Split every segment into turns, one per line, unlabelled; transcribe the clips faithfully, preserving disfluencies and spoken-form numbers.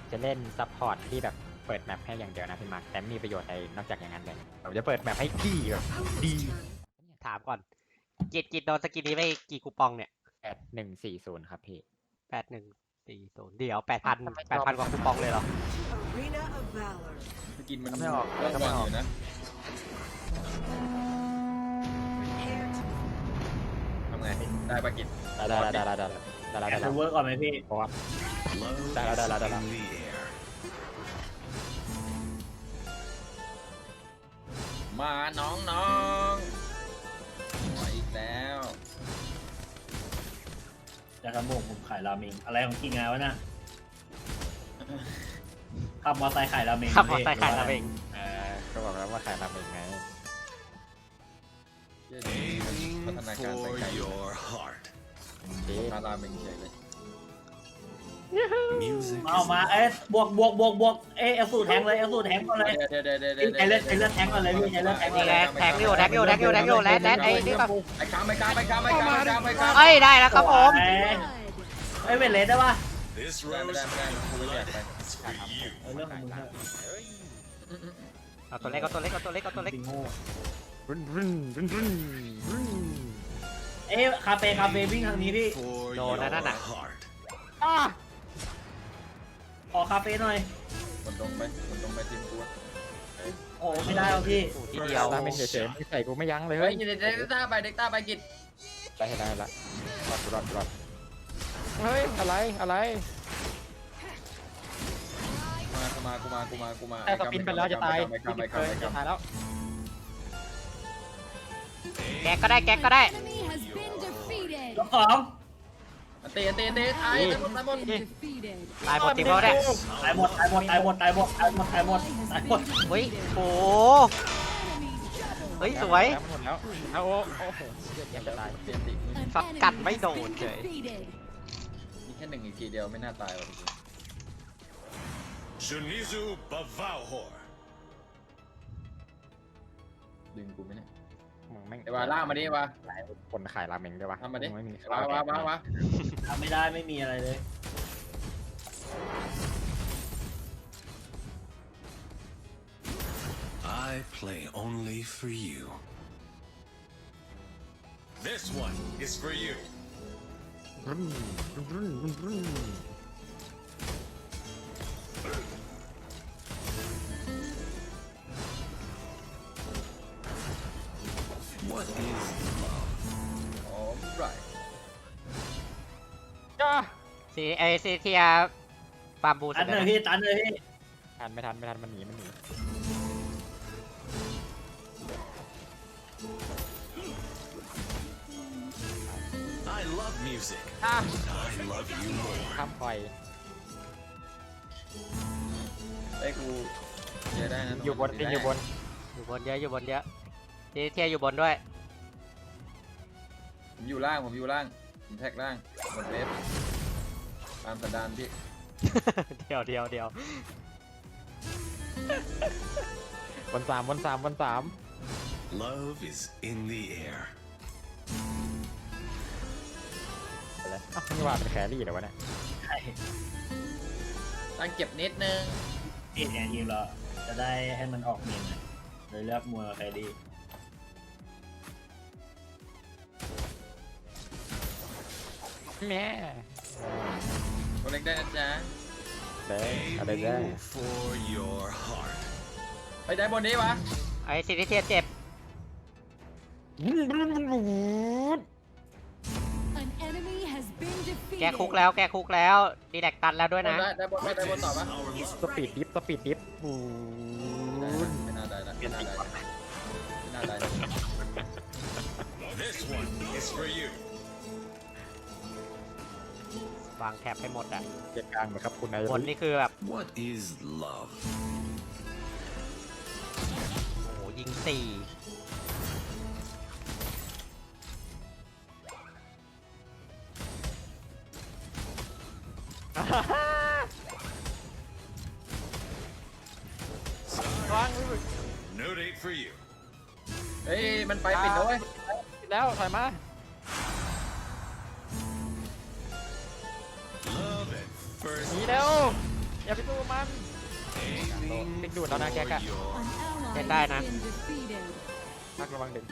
จะเล่นซัพพอร์ตที่แบบเปิดแมปให้อย่างเดียวนะพี่มาร์คแต่ไม่มีประโยชน์อะไรนอกจากอย่างนั้นเลยผมจะเปิดแมปให้ดีแบบดี
ถามก่อนกิจกิจโดนสกินนี้ไปกี่คูปองเนี่ย
แปดหนึ่งสี่ศูนย์ครับพี่
แปดหนึ่งสี่ศูนย์เดี๋ยวแปดพันแปดพันกว่าคูปองเลยเหรอ
Arena of Valor.
สกินมัน
ไม่ออก
เริ่มก่อนอยู่นะ
Prepare to
ทำไงได้ปะกิน
ได้ได้ได้ได้ได้ได้ได้
แอ
ได้
ด
ได้
เวิร์กก่อนไหมพี่
เพราะว่าได้แล้วได้แล้วได้แล้ว
มาน้องน้องมาอีกแล้ว
จะทำผมผมขายราเมงอะไรของกินงานวะน่ะขับมอเตอร์ไซค์ขายราเมง
ขับมอเตอร์ไซค์ขายราเมง
เออก็บอกแล้วว่าขายราเมงไง
เย้พัฒนาการไปไกลอยู่
ดี
พาราเมงเฉยเลย
มาเอามาเอ๊ะบวกบวกบวกบวกเอ๊ะเอลสูตรแทงเลยเอลสูตรแทงก่อนเลย
เดี๋ยวเดี๋ยวเดี๋ยวเดี๋ยว
ไอเลือดไอเลือดแทงก่อนเลยพี่ไอเลือดแทงก่อนเลย
แทงอยู่แทงอยู่แทงอยู่แทงอยู่แลนแลนไอ้นี่ป่ะ
ไอ้กามไอ้กามไอ้กามไอ้กามไอ้กามไอ้กาม
เอ้ยได้แล้วครับผม
เอ้ยเอ้ยเวทเลสได้ปะ
ไม่ได้ไม่ได้ไม่ได้กูไม่อยากไป
เออเรื่องของมึงเถอะ
เอาตัวเล็กเอาตัวเล็กเอาตัวเล็กเอาตัวเล็ก
ติงโง่
รุนรุนรุนรุนรุน
เอ๊ะคาเฟ่คาเฟ่วิ่งทางนี้พี่
โดนนะนั่นน่ะ
ขอคาเฟ่หน่อย
คนตรงไปคนตรงไปทีมกู
โอ้ไม่ได้หรอกพี่
โอ้ทีเดียว
ราเมงเฉยๆไม่ใส่กูไม่ยั้งเลย
เฮ้
เฮ้
ย
ย
เด็กเด็กต้าไปเด็กต้าไปกิน
ได้ได้ละรอดรอดรอดเฮ้ยอะไรอะไร
มากูมากูมากูมากูมา
แต่สปินไปแล้วจะตาย
ไอ้กามไอ้
เกิ
กาม
น
ไอ้
จะ
กาม
ตายแล้ว
แก๊กก็ได้แก๊กก็ได้
Enemy has been defeated.
รอบสอง
เตะเตะเตะตายตายหมดตายหมด
Been defeated.
ตายหมดทีมเขาเนี่ย
ตายหมดตายหมดตายหมดตายหมดตายหมดตายหมดตายหมด
เฮ้ยโอ้เฮ้ยสวย
แล้วหมดแล้วเอาโอ้โอ้โหเดี๋ยวจะตาย
เตะติ
An
สับกัด
enemy
ไม่
has
โดน
been
เฉย
defeated.
มีแค่หนึ่งอีกทีเดียวไม่น่าตายหรอก
Shunizu Bavauhor.
ดึงกูไหมเนี่ย
มึงแม่ง
ไอ้วาล่ามาดิวะ
คนขายราเมงด้วยวะ
ทำมาดิ
งไม่มี
วาวาวาวา
ทำไม่ได้ไม่มีอะไรเลย
I play only for you. This one is for you.
รุนรุนรุนรุน
What is love?
อ๋อไร
จ้า
ซีไอซีเทียบามบู
ตันเลยพี่ตันเลยพี่
ทันไม่ทันไม่ทันมันหนีมันหนี
I love music.
อ่ะ
I love you more.
ข้ามปล่อย
ไอ้กูเยอะได้นะ
อยู่บนติงอยู่บน
อยู่บนเยอะอยู่บนเยอะซีเทียอยู่บนด้วย
ผมอยู่ล่างผมอยู่ล่างผมแท็กล่างบนเวฟตามสันดานพี่
เดียวเดียวเดียว
บนสามบนสามบนสาม
Love is in the air.
ไปเลยอ้าวนี่ว่าเป็นแครี่เหรอวะเนี่ย
ใช่
ตั้งเก็บนิดนึง
พี่เนี่ยทีมเราจะได้ให้มันออกเมนหน่อยเลยเลือกมัวใครดี
แม่
ตัวเล็กได้นะจ๊ะ
เด้อะไรได้
Aiming for your heart.
ไปได้บนนี้วะ
ไอซีเทียเจ็บ
An enemy has been defeated.
แกคุกแล้วแกคุกแล้วดีแลกตันแล้วด้วยนะ
ได้ได้บนได้บนต่อปะ
Our
สปีดดิฟสปีดดิฟปู
ไม่น่าได้ละไม่น่าได้ละไม่น่าได้ละ
This one is for you.
วางแถบให้หมดอ่ะ
เกียร์กลางเหมือนครับคุณนาย
บนนี่คือแบบ
What is love?
โอ้โหยิงสี่
วาง
No date for you.
เฮ้ยมันไปปิดแล้วเว้ย
แล้วถอยมา
Love at
ห
first.
นีแล้วอย่าไปสู้มันติ๊กดูดแล้วนะแกกะ
An ally
Get that,
has
nah.
been defeated.
พักระวังดึง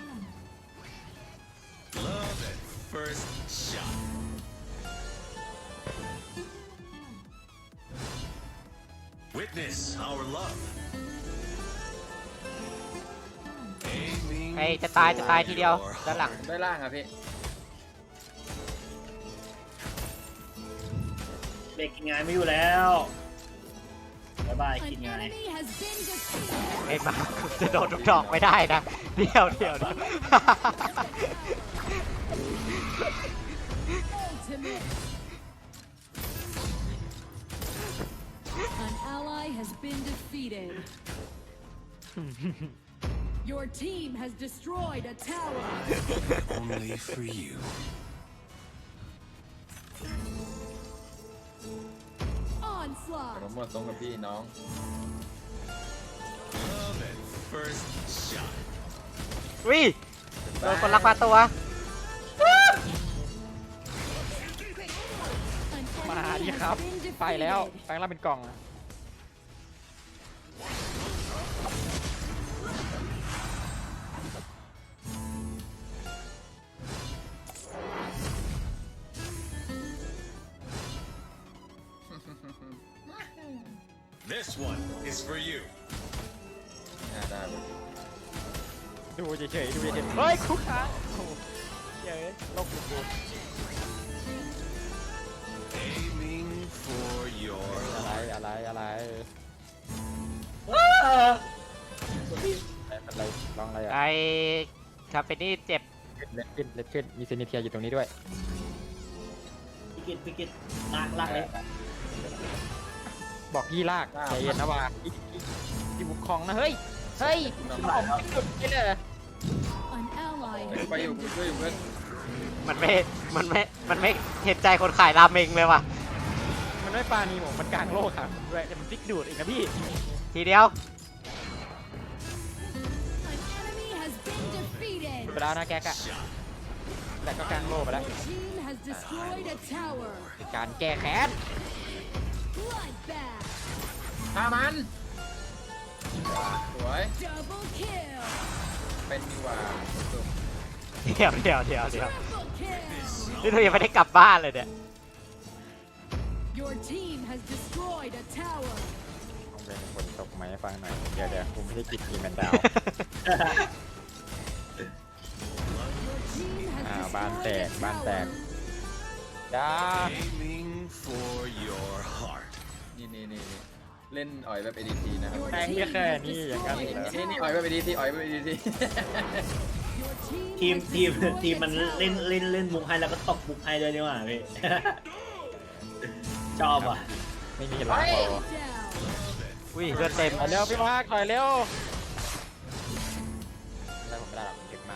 Love at first shot. Witness our love. Aiming
ไอ้จะตายจะตายทีเดียว
for
ด้านหลัง
ได้ล่างอ่ะพี่
เด็กกินงานไม่อยู่แล้วบ๊ายบาย
An
กินงาน
enemy has been defeated.
เอ็นมาจะโดนทุกดอกไม่ได้นะ เดี๋ยวเดี๋ยวเดี๋ยว
Ultimate. An ally has been defeated. Your team has destroyed a tower.
only for you.
ผม
Onslaught.
หมดตรงกับพี่น้อง
Love at first shot.
วิโดนคนลักพาตัว
An
มา
enemy
ดิ
has
ครับ
been
ไปแล้ว
defeated.
แปลงร่างเป็นกล่อง
This one is for you.
น่าได้เว้ย
ดูเฉยๆดูเฉยๆเฮ้ยคุกค้างโอ้โหเย้ยโลกกู
Aiming for your
อะไร
heart.
อะไรอะไรอะไรลองอะไรอ่ะ
ไอ้คาเฟนี่เจ็บ
เล็ดขึ้นเล็ดขึ้นมีเซนิเทียอยู่ตรงนี้ด้วย
พี่กิตพี่กิตลากลากเลย
บอกยี่ลากใจเย็นนะว่าอีกอีกอีบุกคองนะเฮ้ยเฮ้ย
น้อง
ออกไม่หยุดไม่เลย
An ally
ไปอยู่ช่วยอยู่เพื่อน
มันไม่ มันไม่ มันไม่เห็นใจคนขายราเมงเลยว่ะ
มันไม่ปานีผมมันกลางโลกครับด้วยแต่มันพลิกดูดอีกนะพี่
ทีเดียว
An enemy has been defeated.
ไปแล้วนะแกกะแต่ก็กลางโลกไปแล้ว
Your team has destroyed a tower.
การแก้แค้น
Bloodbath.
ฆ่ามันสวย
Double kill.
เป็นดีกว่าสุด
เดี๋ยวเดี๋ยวเดี๋ยวเดี๋ยว
Triple kill.
นี่เรายังไม่ได้กลับบ้านเลยเนี่ย
Your team has destroyed a tower.
ลองเป็นฝนตกไหมฟังหน่อยเดี๋ยวเดี๋ยวผมไม่ได้กินทีแมนดาว
Your team has
อ้าวบ้านแต
destroyed
ก
a
บ้านแตก
tower.
จ้า
Aiming for your heart.
นี่นี่นี่นี่เล่นอ่อยแบบ เอ ดี ที นะครับ
Your
แม่ง
team
แค่
has
นี้อย่างนั้น
destroyed
เหรอ
a
นี่นี่
tower.
อ่อยแบบ เอ ดี ที อ่อยแบบ เอ ดี ที
Your team
ทีม
has
ทีม
destroyed
ทีมมัน
a tower.
เล่นเล่นเล่นมุกให้แล้วก็ตกมุกให้ด้วยนี่หว่าพี่ ชอบอ่ะ
ไม่มีหลักพอ
Down.
อุ้ยเลือดเต็ม
ถอยเร็วพี่มาร์คถอยเร็วได้ผมไม่ได้หรอกมันถึงมาก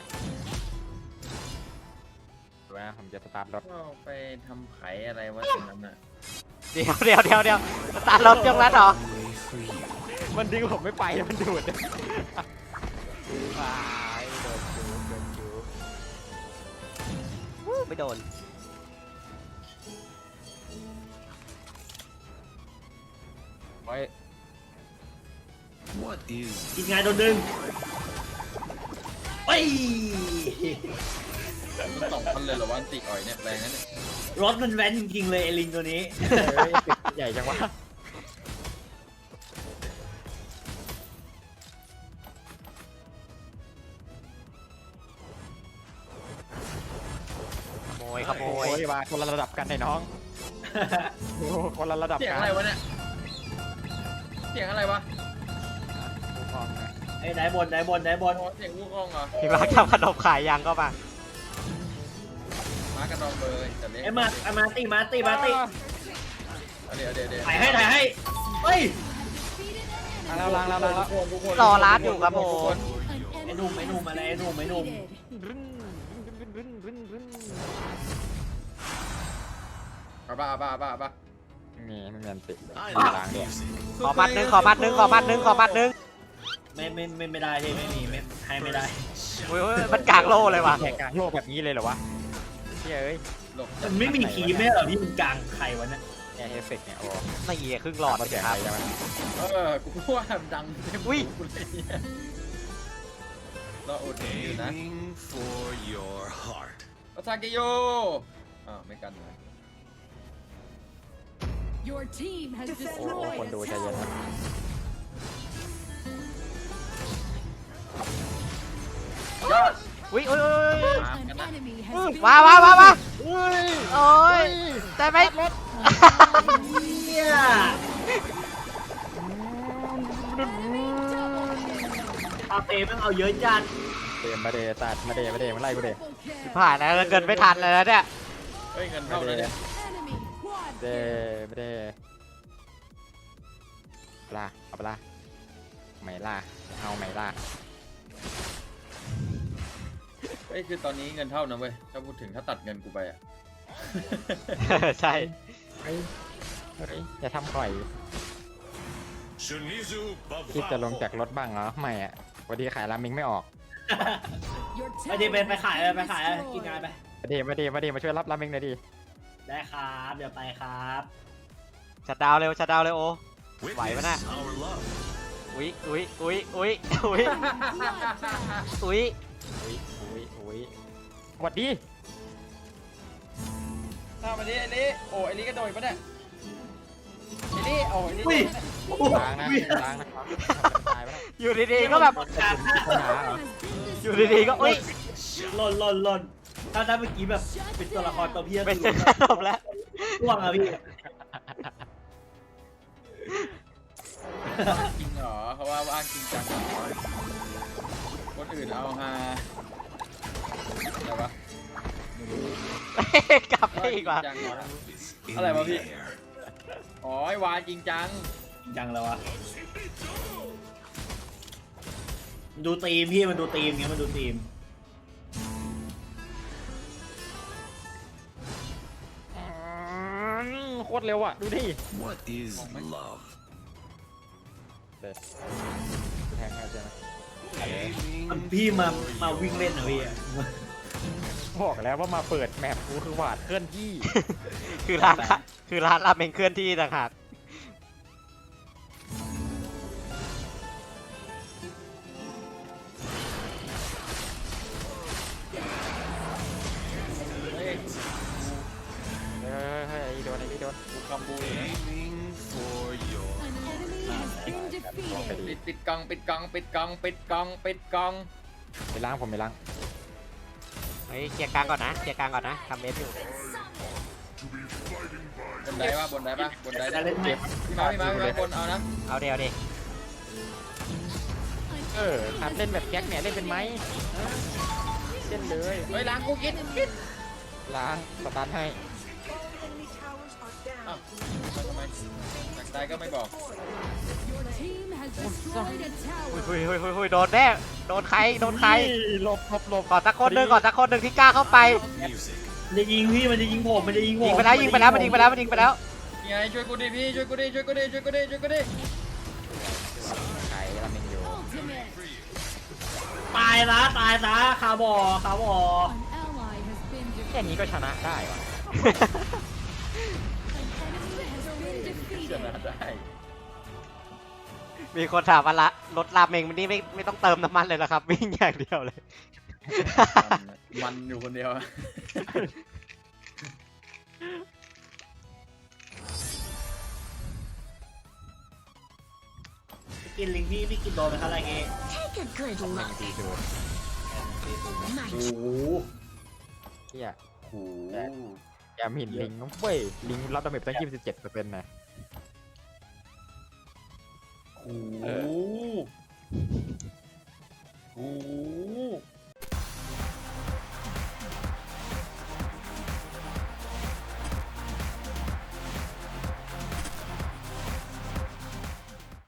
ดูนะผมจะสตาร์ทรถ
ก็ไปทำไขอะไรวะตรงนั้นน่ะ
เดี๋ยวเดี๋ยวเดี๋ยวเดี๋ยวสตาร์ทรถยกแล้วเหรอ
Only for you.
มันดึงผมไม่ไปมันดูดตายโดนจูโดนจู
วู้ไม่โดน
โอ้ย
What is
กินงานโดนดึงไป
มันสองพันเลยเหรอวะอันติอ่อยเนี่ยแรงนะเนี่ย
รถมันแว้นจริงๆเลยไอ้ลิงตัวนี้
เฮ้ยตึกใหญ่จังวะ
ขโมยขโม
โอ้
ย
ยมาคนละระดับกันไอ้น้องโอ้คนละระดับ
เสียง
กัน
อะไรวะเนี่ยเสียงอะไรวะ
ผู้กองนะ
ไอ้ไหนบนไหนบนไหนบน
โอ้เสียงวูกองเหรอ
พี่มาร์คทำขนมขายยังก็มา
มากระดองเบอร์แต่เล็ก
ไอ้มาไอ้มาตีมาตีมาตี
เอาเดี๋ยวเดี๋ยวเดี๋ยว
ถ่ายให้ถ่ายให้เฮ้ย
ล้างแล้วล้างแล้วล้างแล้ว
ทุกคน
รอร้านอยู่ครับผม
An
ไอ้หนุ่มไอ้หนุ่มอะไรไอ้หนุ่มไอ้หนุ่ม
defeated.
รึ้นรึ้นรึ้นรึ้นรึ้น
เอาป่ะเอาป่ะเอาป่ะเอาป่ะ
นี่ไม่มีอันติ
I
ล้าง
love
เนี่ย
music.
ขอมัดหนึ่งขอมัดหนึ่งขอมัดหนึ่งขอมัดหนึ่ง
ไม่ไม่ไม่ไม่ได้ที่ไม่มีไม่ให้ไม่ได้
โอ้ยโอ้ยมันกลางโลเลยว่ะ
แข่งกลางโลกแบบนี้เลยเหรอวะเฮ้ยเอ้ย
หลบ
มันไม่มีคีย์ไม่เหรอพี่มันกลางใครวะเนี่ย
แกเอฟเฟกต์เนี่ยโอ้
นี่ครึ่งหลอด
มาเสียง
ค
อะ
รับ
ไรใช่ไหม
เออกูว่าดังเต็ม
อุ้ย
หูเลยเนี่ยเราอดอยู่นะ
Aiming for your heart.
อาซากิโยอ้าวไม่กันเลย
Your team has
โอ้โห
destroyed
คน
a
ดูใจเย็น
tower.
นะ
ยอด
อุ้ยอุ้ยอุ้ยอุ้ย
ตาม
An
กันนะ
enemy has been
ว้าวว้าวว้าวว้าว
อุ้ย
โอ้ยได้ไหม
เนี่ย เอาเตะแม่งเอาเยอะจัด
เดมมาเดตัดมาเดมาเดมาไล่กูเด
triple kill.
ผ่านแล้วเกินไม่ทันเลยนะเนี่ย
เฮ้ยเงินเข้าเลยเนี่ย
Enemy quad
เด
kill.
มาเดล่าเอาไปล่าไม่ล่าเอาไม่ล่า
เฮ้ยคือตอนนี้เงินเท่านะเว้ยถ้าพูดถึงถ้าตัดเงินกูไปอ่ะ
ใช่
เฮ้ยเฮ้ยอย่าทำก่อย
Shunizu
คิดจะลง
Bavavo.
จากรถบ้างเหรอไม่อ่ะวันนี้ขายรามิงไม่ออก
Your
ไปดิ
tower
ไปไปขาย
has
ไป
been
ขายกินงาน
destroyed.
ไป
มาเดมาเดมาเดมาช่วยรับรามิงหน่อยดิ
ได้ครับเดี๋ยวไปครับ
ชัดดาวน์เร็วชัดดาวน์เร็วโอ
Witness
Vậy bữa
our love.
อุ้ยอุ้ยอุ้ยอุ้ยอุ้ยอุ้ย
อุ้ยอุ้ยอุ้ยหวัดดี
ถ้ามาดิไอ้นี่โอ้ไอ้นี่ก็โดนปะเนี่ยไอ้นี่โอ้ไอ้นี่
อุ้ย
ล้างนะล้างนะครับตายไปแล้ว
อยู่ดีๆก็แบบ
ปัญหาเหรอ
อยู่ดีๆก็อุ้ย
หล่นหล่นหล่นถ้าถ้าเมื่อกี้แบบเป็นตัวละครตัวเพี้ยน
เป็นเส้นขนมแล้ว
ร่วงอะพี่
จริงเหรอเขาว่าว่างจริงจังเหรอคนอื่นเอาฮาอะไรวะ
กลับไปอีกว่ะ
จริงจังเหรอ
Is in
อะไรวะพี่
the air.
อ๋อไอ้วาจริงจัง
จริงจังแล้ววะมันดูตีมพี่มันดูตีมเงี้ยมันดูตีม
อืมโคตรเร็วอ่ะ ดูดิ
What is love?
เด็ดแทงให้ใช่ไหม
มัน
Aiming
พี่มา
for
มา
your
วิ่งเล่นเหรอพี่
heart.
บอกแล้วว่ามาเปิดแมปกูคือหวาดเคลื่อนที่
คือร้านค่ะคือร้านราเมงเคลื่อนที่ต่างหาก
เฮ้ย
เฮ้ยเฮ้ยไอ้โดนไอ้นี่โดน
กูคำบูเลยนะ
Aiming for your
An enemy has been
ไป
defeated.
ดิ
ปิดปิดกล่องปิดกล่องปิดกล่องปิดกล่องปิดกล่อง
ไปล้างผมไปล้าง
เฮ้ยเคลียร์กลางก่อนนะเคลียร์กลางก่อนนะทำเมสอยู่
บนไดปะบนไดปะบนได
จะเล่นไหม
พี่มาพี่มาพี่มาบนเอานะ
เอาเดียวดิ
เออหัดเล่นแบบแก๊กเนี่ยเล่นเป็นไหมฮะเล่นเลย
เฮ้ยล้างกูกินกิน
ล้างสตาร์ทให้
Enemy towers are
อ้าว
down.
ทำไมอยากตายก็ไม่บอก
Your team has destroyed a
อุ้ย
tower.
อุ้ยอุ้ยอุ้ยอุ้ยโดนแน่โดนใครโดนใคร
หลบหลบหลบ
ก่อนตะคนหนึ่งก่อนตะคนหนึ่งที่กล้าเข้าไป
music.
มันจะยิงพี่มันจะยิงผมมันจะยิงผม
ยิงไปแล้วยิงไปแล้วมันยิงไปแล้วมันยิงไปแล้ว
ยังไงช่วยกูดิพี่ช่วยกูดิช่วยกูดิช่วยกูดิช่วยกูดิ
ไข่รามิงอยู่
Ultimate.
ตายนะตายนะคาบอคาบอ
An ally has been
แค่
defeated.
นี้ก็ชนะได้วะ
An enemy has been
ชนะ
defeated.
ได้
มีคนถามว่าละรถราเมงมันนี่ไม่ไม่ต้องเติมน้ำมันเลยเหรอครับ วิ่งอย่างเดียวเลย
มันอยู่คนเดียว
พี่กินลิงพี่พี่กินโดนไหมครับอะไรเงี้ย
Take a good
หนึ่ง
look.
ทีดู
โอ้โห
เฮีย
โอ้โห
อย่าหมิ่นลิงนะเว้ยลิงรับดาเมจตั้งยี่สิบเจ็ดเปอร์เซ็นต์นะ
โอ้โห